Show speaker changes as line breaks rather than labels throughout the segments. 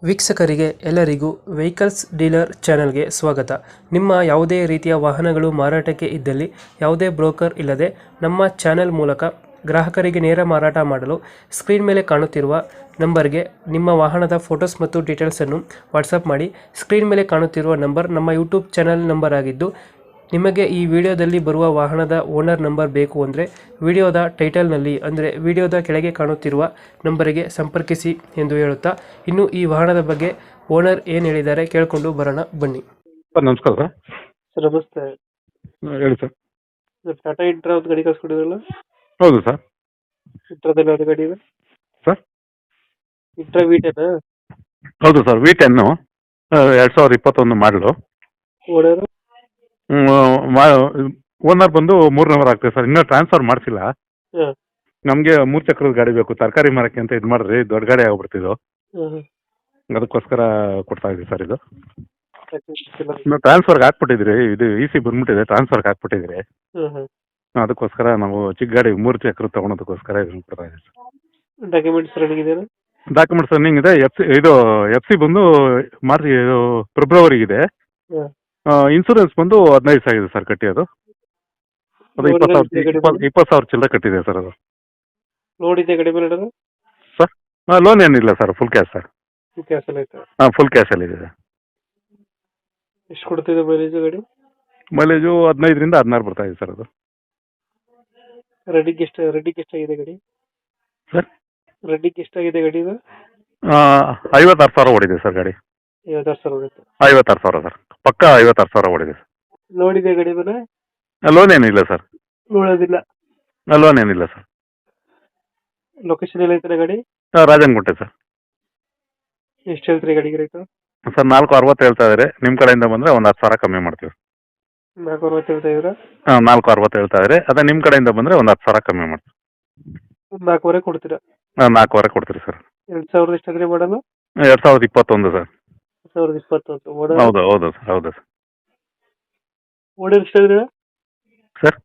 ವೀಕ್ಷಕರಿಗೆ ಎಲ್ಲರಿಗೂ vehicles dealer ಚಾನೆಲ್ಗೆ ಸ್ವಾಗತ. ನಿಮ್ಮ ಯಾವುದೇ ರೀತಿಯ ವಾಹನಗಳು ಮಾರಾಟಕ್ಕೆ ಇದ್ದಲ್ಲಿ ಯಾವುದೇ ಬ್ರೋಕರ್ ಇಲ್ಲದೆ ನಮ್ಮ ಚಾನೆಲ್ ಮೂಲಕ ಗ್ರಾಹಕರಿಗೆ ನೇರ ಮಾರಾಟ ಮಾಡಲು ಸ್ಕ್ರೀನ್ ಮೇಲೆ ಕಾಣುತ್ತಿರುವ ನಂಬರ್ಗೆ ನಿಮ್ಮ ವಾಹನದ ಫೋಟೋಸ್ ಮತ್ತು ಡೀಟೇಲ್ಸನ್ನು ವಾಟ್ಸಪ್ ಮಾಡಿ. ಸ್ಕ್ರೀನ್ ಮೇಲೆ ಕಾಣುತ್ತಿರುವ ನಂಬರ್ ನಮ್ಮ ಯೂಟ್ಯೂಬ್ ಚಾನೆಲ್ ನಂಬರ್ ಆಗಿದ್ದು, ನಿಮಗೆ ಈ ವಿಡಿಯೋದಲ್ಲಿ ಬರುವ ವಾಹನದ ಓನರ್ ನಂಬರ್ ಬೇಕು ಅಂದರೆ ವಿಡಿಯೋದ ಟೈಟಲ್ನಲ್ಲಿ ಅಂದರೆ ವಿಡಿಯೋದ ಕೆಳಗೆ ಕಾಣುತ್ತಿರುವ ನಂಬರಿಗೆ ಸಂಪರ್ಕಿಸಿ ಎಂದು ಹೇಳುತ್ತಾ, ಇನ್ನು ಈ ವಾಹನದ ಬಗ್ಗೆ ಓನರ್ ಏನು ಹೇಳಿದ್ದಾರೆ ಕೇಳಿಕೊಂಡು ಬರೋಣ ಬನ್ನಿ.
ಸರ್ ನಮಸ್ಕಾರ ಸರ್.
ಸರ್ ನಮಸ್ತೆ.
ಹೇಳಿ ಸರ್.
ಟಾಟಾ ಇಂಟ್ರಾ ಒಂದು ಗಾಡಿ ಕಳ್ಸ್ಕೊಡಿದ್ರಲ್ಲ,
ಹೌದು ಸರ್.
ಇಂಟ್ರಾದಲ್ಲಿ ಯಾವ್ದು ಗಾಡಿ ಇದೆ
ಸರ್
ಇಂಟ್ರಾ V10?
ಹೌದು ಸರ್, V10 2021 ಮಾಡಲು.
ಓನರ್
ಓನರ್ ಬಂದು 3 ಆಗ್ತದೆ ಸರ್. ಇನ್ನೂ ಟ್ರಾನ್ಸ್ಫರ್ ಮಾಡಿಸಿಲ್ಲ.
ಹಾಂ
ನಮಗೆ 3 ಚಕ್ರದ ಗಾಡಿ ಬೇಕು, ತರಕಾರಿ ಮಾರಕ್ಕೆ ಅಂತ ಇದು ಮಾಡಿದ್ರಿ, ದೊಡ್ಡ ಗಾಡಿ ಆಗ್ಬಿಡ್ತಿದ್ದು,
ಹಾಂ
ಅದಕ್ಕೋಸ್ಕರ ಕೊಡ್ತಾ ಇದ್ದೀವಿ ಸರ್. ಇದು
ಹಾಂ
ಇನ್ನು ಟ್ರಾನ್ಸ್ಫರ್ಗೆ ಹಾಕ್ಬಿಟ್ಟಿದ್ರಿ, ಇದು EC ಬಂದ್ಬಿಟ್ಟಿದೆ, ಟ್ರಾನ್ಸ್ಫರ್ಗೆ ಹಾಕ್ಬಿಟ್ಟಿದ್ರಿ.
ಹಾಂ
ಅದಕ್ಕೋಸ್ಕರ ನಾವು ಚಿಕ್ಕ ಗಾಡಿ 3 ಚಕ್ರ ತೊಗೊಳೋದಕ್ಕೋಸ್ಕರ ಇದನ್ನು ಕೊಡ್ತಾ ಇದ್ದೀವಿ ಸರ್.
ಡಾಕ್ಯುಮೆಂಟ್ಸ್ ರನ್ನಿಂಗ್ ಇದೆಯಾ?
ಡಾಕ್ಯುಮೆಂಟ್ಸ್ ರನ್ನಿಂಗ್ ಇದೆ. FC ಬಂದು ಮಾರ್ಚ್ ಫೆಬ್ರವರಿಗಿದೆ.
ಹಾಂ
ಇನ್ಸೂರೆನ್ಸ್ ಬಂದು 15 ಸಾವಿರ ಇದೆ ಸರ್ ಕಟ್ಟಿರೋದು. ಅದು 20,000 ಚಿಲ್ಲರೆ ಕಟ್ಟಿದೆ ಸರ್. ಅದು
ಲೋನ್ ಇದೆ ಗಾಡಿ ಮೇಲೆ ಇಡೋದು?
ಸರ್ ಲೋನ್ ಏನಿಲ್ಲ sir, full cash sir.
Cancel ಆಯ್ತಾ?
ಹಾಂ, ಫುಲ್ ಕ್ಯಾಶಲ್ಲಿ ಇದೆ.
ಎಷ್ಟು ಕೊಡ್ತಿದೆ ಮೈಲೇಜ್ ಗಾಡಿ?
ಮೈಲೇಜು 15ರಿಂದ 16 ಬರ್ತಾ ಇದೆ ಸರ್. ಅದು
ರೆಡ್ಡಿಗೆ ಎಷ್ಟಾಗಿದೆ ಗಾಡಿ?
ಸರ್
ರೆಡ್ಡಿಗೆ ಎಷ್ಟಾಗಿದೆ ಗಾಡಿ ಇದು?
56,000 ಓಡಿದೆ ಸರ್ ಗಾಡಿ.
56,000 ಹೊಡೆಯುತ್ತೆ.
56,000 ಸರ್, ಪಕ್ಕ 56,000 ಓಡಿದೆ ಸರ್.
ಲೋನ್ ಇದೆ ಗಾಡಿ ಮೇಲೆ?
ಲೋನ್ ಏನಿಲ್ಲ ಸರ್.
ನೋಡೋದಿಲ್ಲ.
ಲೋನ್ ಏನಿಲ್ಲ ಸರ್.
ಲೊಕೇಶನ್ ಎಲ್ಲ ಐತೆ ಗಾಡಿ?
ರಾಜನಗುಂಟೆ ಸರ್.
ಎಷ್ಟು ಹೇಳ್ತೀರಿ ಗಾಡಿಗೆ ರೇಟು?
ಸರ್ 460 ಹೇಳ್ತಾ ಇದ್ದಾರೆ. ನಿಮ್ಮ ಕಡೆಯಿಂದ ಬಂದರೆ ಒಂದು 10,000 ಕಮ್ಮಿ ಮಾಡ್ತೀವಿ.
460 ಹೇಳ್ತಾ ಇದ್ದೀರಾ?
ಹಾಂ, 460 ಹೇಳ್ತಾ ಇದ್ದಾರೆ. ಅದೇ ನಿಮ್ಮ ಕಡೆಯಿಂದ ಬಂದರೆ ಒಂದು 10,000 ಕಮ್ಮಿ ಮಾಡ್ತೀವಿ.
4,000 ಕೊಡ್ತೀರಾ?
ಹಾಂ, 4,000 ಕೊಡ್ತೀರಿ ಸರ್.
2000 ಎಷ್ಟಾದ್ರೆ ಮಾಡಲ್ಲ?
2021 ಸರ್.
2021
ಹೌದು ಹೌದು ಸರ್, ಹೌದು ಸರ್.
ಓನರ್ ಎಷ್ಟಾದ್ರೆ?
ಸರ್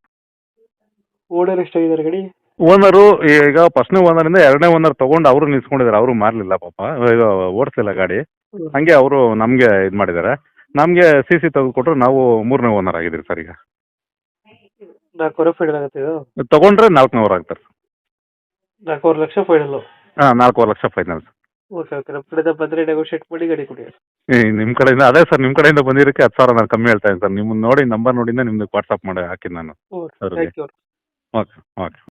ಓನರ್ ಎಷ್ಟಾಗಿದ್ದಾರೆ ಗಾಡಿ?
ಓನರು ಈಗ ಫಸ್ಟ್ನೇ ಓನರಿಂದ 2ನೇ ಓನರ್ ತೊಗೊಂಡು ಅವರು ನಿಲ್ಸ್ಕೊಂಡಿದ್ದಾರೆ. ಅವರು ಮಾರಲಿಲ್ಲ ಪಾಪ, ಇದು ಓಡಿಸಲಿಲ್ಲ ಗಾಡಿ. ಹಂಗೆ ಅವರು ನಮಗೆ ಇದು ಮಾಡಿದ್ದಾರೆ. ನಮಗೆ CC ತೆಗೆದುಕೊಟ್ರು, ನಾವು 3ನೇ ಓನರ್ ಆಗಿದ್ದೀವಿ ಸರ್. ಈಗ
4,000 ಫೈನಲ್ ಆಗುತ್ತೆ ಇದು?
ತೊಗೊಂಡ್ರೆ 4,000 ಆಗ್ತಾರೆ.
4,000 ಲಕ್ಷ ಫೈನಲ್ಲು?
ಹಾಂ, 4,000 lakh final sir.
Okay okay, ನಮ್ಮ ಕಡೆಯಿಂದ ಬಂದರೆ ನೆಗೋಷಿಯೇಟ್ ಮಾಡಿ ಗಾಡಿ ಕೊಡಿ.
ನಿಮ್ಮ ಕಡೆಯಿಂದ ಅದೇ ಸರ್, ನಿಮ್ಮ ಕಡೆಯಿಂದ ಬಂದಿರೋಕ್ಕೆ 10,000 ನಾನು ಕಮ್ಮಿ ಹೇಳ್ತಾ ಇದ್ದೀನಿ ಸರ್. ನಿಮ್ಮನ್ನು ನೋಡಿ, ನಂಬರ್ ನೋಡಿಂದ ನಿಮ್ಗೆ ವಾಟ್ಸಪ್ ಮಾಡಿ ಹಾಕಿದ್ದು ನಾನು.
Okay, thank you.
Okay okay.